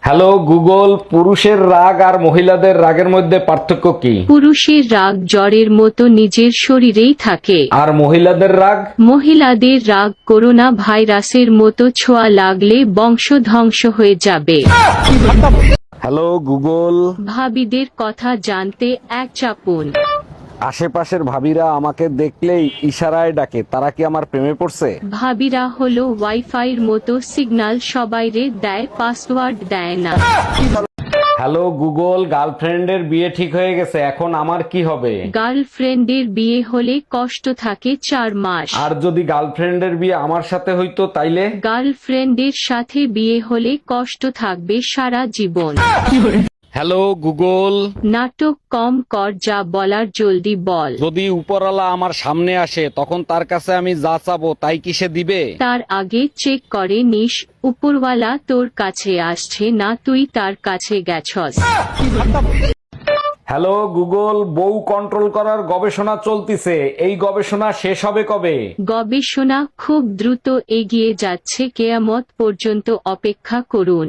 Hello Google, পুরুষের রাগ আর মহিলাদের রাগের মধ্যে পার্থক্য কি? পুরুষের রাগ জ্বরের মতো নিজের শরীরেই থাকে, আর মহিলাদের রাগ? মহিলাদের রাগ করোনা ভাইরাসের মতো ছোঁয়া লাগলে বংশ ধ্বংস হয়ে যাবে। হ্যালো গুগল, ভাবিদের কথা জানতে এক চাপুন। আশেপাশের ভাবিরা আমাকে দেখলেই ইশারায় ডাকে, তারা কি আমার প্রেমে পড়ছে? ভাবিরা হলো ওয়াইফাইয়ের মতো, সিগন্যাল সবাইরে দেয়, পাসওয়ার্ড দেয় না। হ্যালো গুগল, গার্লফ্রেন্ডের বিয়ে ঠিক হয়ে গেছে, এখন আমার কি হবে? গার্লফ্রেন্ডের বিয়ে হলে কষ্ট থাকে 4 মাস। আর যদি গার্লফ্রেন্ডের বিয়ে আমার সাথে হইতো তাইলে? গার্লফ্রেন্ডের সাথে বিয়ে হলে কষ্ট থাকবে সারা জীবন। হ্যালো গুগল, নাটক কম কর, যা বলার জলদি বল। যদি উপরওয়ালা আমার সামনে আসে তখন তার কাছে আমি যা চাবো তাই কি সে দিবে? তার আগে চেক করে নিস উপরওয়ালা তোর কাছে আসছে না তুই তার কাছে গেছস। হ্যালো গুগল, বউ কন্ট্রোল করার গবেষণা চলতিছে, এই গবেষণা শেষ হবে কবে? গবেষণা খুব দ্রুত এগিয়ে যাচ্ছে, কেয়ামত পর্যন্ত অপেক্ষা করুন।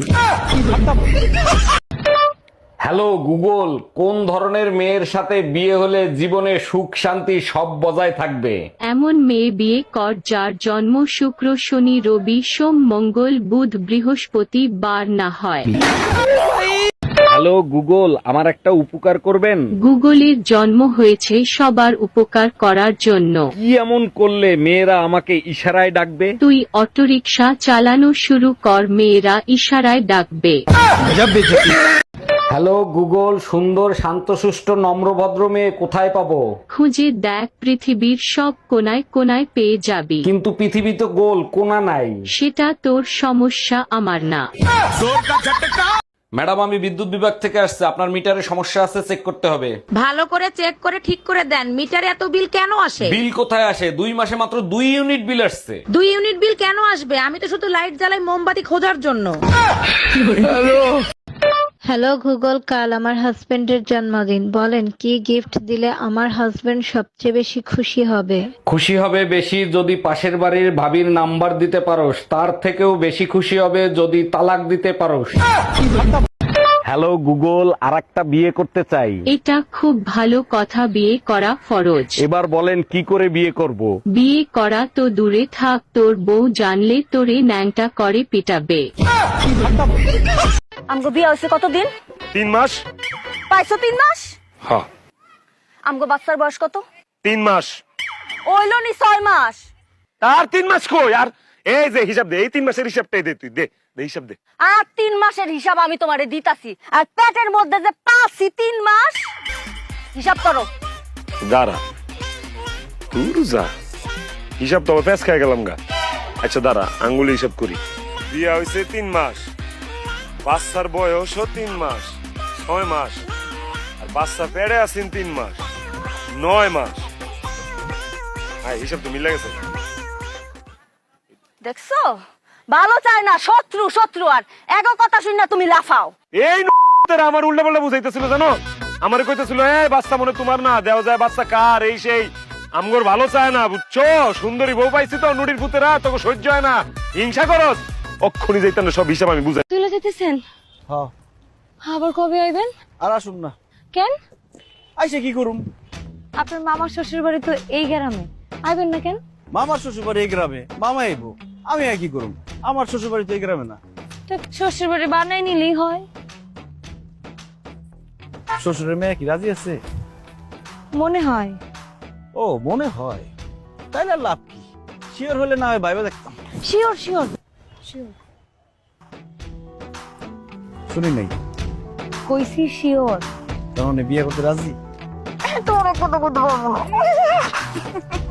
হ্যালো গুগল, কোন ধরনের মেয়ের সাথে বিয়ে হলে জীবনে সুখ শান্তি সব বজায় থাকবে? এমন মেয়ে বিয়ে কর যার জন্ম শুক্র শনি রবি সোম মঙ্গল বুধ বৃহস্পতি বার না হয়। হ্যালো গুগল, আমার একটা উপকার করবেন? গুগলের জন্ম হয়েছে সবার উপকার করার জন্য। কি এমন করলে মেয়েরা আমাকে ইশারায় ডাকবে? তুই অটোরিকশা চালানো শুরু কর, মেয়েরা ইশারায় ডাকবে। হ্যালো গুগল, সুন্দর শান্তশিষ্ট নম্রভদ্র মেয়ে কোথায় পাবো? খুঁজে দেখ, পৃথিবীর সব কোনায় কোনায় পেয়ে যাবি। কিন্তু পৃথিবী তো গোল, কোনা নাই। সেটা তোর সমস্যা, আমার না। ম্যাডাম, আমি বিদ্যুৎ বিভাগ থেকে আসছে, আপনার মিটারে সমস্যা আছে, চেক করতে হবে। ভালো করে চেক করে ঠিক করে দেন। মিটারে এত বিল কেন আসে? বিল কোথায় আসে? 2 মাসে মাত্র 2 ইউনিট বিল আসছে। 2 ইউনিট বিল কেন আসবে? আমি তো শুধু লাইট জ্বালাই মোমবাতি খোঁজার জন্য। হ্যালো গুগল, কাল আমার হাজবেন্ডের জন্মদিন, বলেন কি গিফট দিলে আমার হাজবেন্ড সবচেয়ে বেশি খুশি হবে? খুশি হবে বেশি যদি পাশের বাড়ির ভাবির নাম্বার দিতে পারোস, তার থেকেও বেশি খুশি হবে যদি তালাক দিতে পারোস। হ্যালো গুগল, আরেকটা বিয়ে করতে চাই। এটা খুব ভালো কথা, বিয়ে করা ফরজ। এবার বলেন কি করে বিয়ে করব? বিয়ে করা তো দূরে থাক, তোর বউ জানলে তোরে ন্যাংটা করে পিটাবে। আমগো বিয়ে হয়েছে কতদিন? 3 মাস। পাইছো 3 মাস? হ্যাঁ, আমগো বাচ্চার বয়স কত? 3 মাস। ওইলো নি 6 মাস। তার 3 মাস কই? আর এই যে হিসাব দে, এই 3 মাসের হিসাবটাই দে, তুই দে দে হিসাব দে। আর 3 মাসের হিসাব আমি তোমারে দিতাছি, আর পেটের মধ্যে যে পাঁচি 3 মাস, হিসাব করো। দাঁড়া, তুই যা হিসাব তো পেঁচ খাই গেলাম গা। আচ্ছা দাঁড়া, আঙ্গুলি হিসাব করি। বিয়া হয়েছে 3 মাস, বাচ্চার বয়সও 3 মাস, 6 মাস, আর বাচ্চা পেড়ে আছেন 3 মাস, 9 মাস। হ্যাঁ, হিসাব তো মিলে গেছে। দেখছো, ভালো চায় না, শত্রু শত্রু। আর এগো কথা শুন না তুমি লাফাও। এই আমার উল্টা পাল্টা বুঝাইতেছিল, জানো? আমার কইতেছিল এই বাচ্চা মনে তোমার না, দেওয়া যায় বাচ্চা কার, এই সেই। আমগর ভালো চায় না, বুঝছো? সুন্দরী বউ পাইছি তো, নুডির পুতেরা তোকে সহ্য হয় না, হিংসা করস। অক্ষণি যাইতাম না, সব হিসাব আমি বুঝাই। তুলে যেতেছেন? হ্যাঁ, আবার কবে আইবেন? আর আসুন না। কেন? আইসে কি করুম? আপনার মামার শ্বশুর বাড়ি তো এই গ্রামে, আইবেন না কেন? মামার শ্বশুর বাড়ি এই গ্রামে, মামা আইবো, আমি আর কি করুম? আমার শ্বশুর বাড়ি তো এই গ্রামে না। তো শ্বশুর বাড়ি বানাই নিলেই হয়। শ্বশুরের মেয়ে কি রাজি আছে? মনে হয়। ও মনে হয়, তাইলে আর লাভ কি? শিওর হলে না হয় ভাইবা দেখতাম। Sure sure sure. শুনি নাই, কইছি শিওর। তার মানে বিয়ে করতে রাজি? তোর কথা বলতে পারবো না।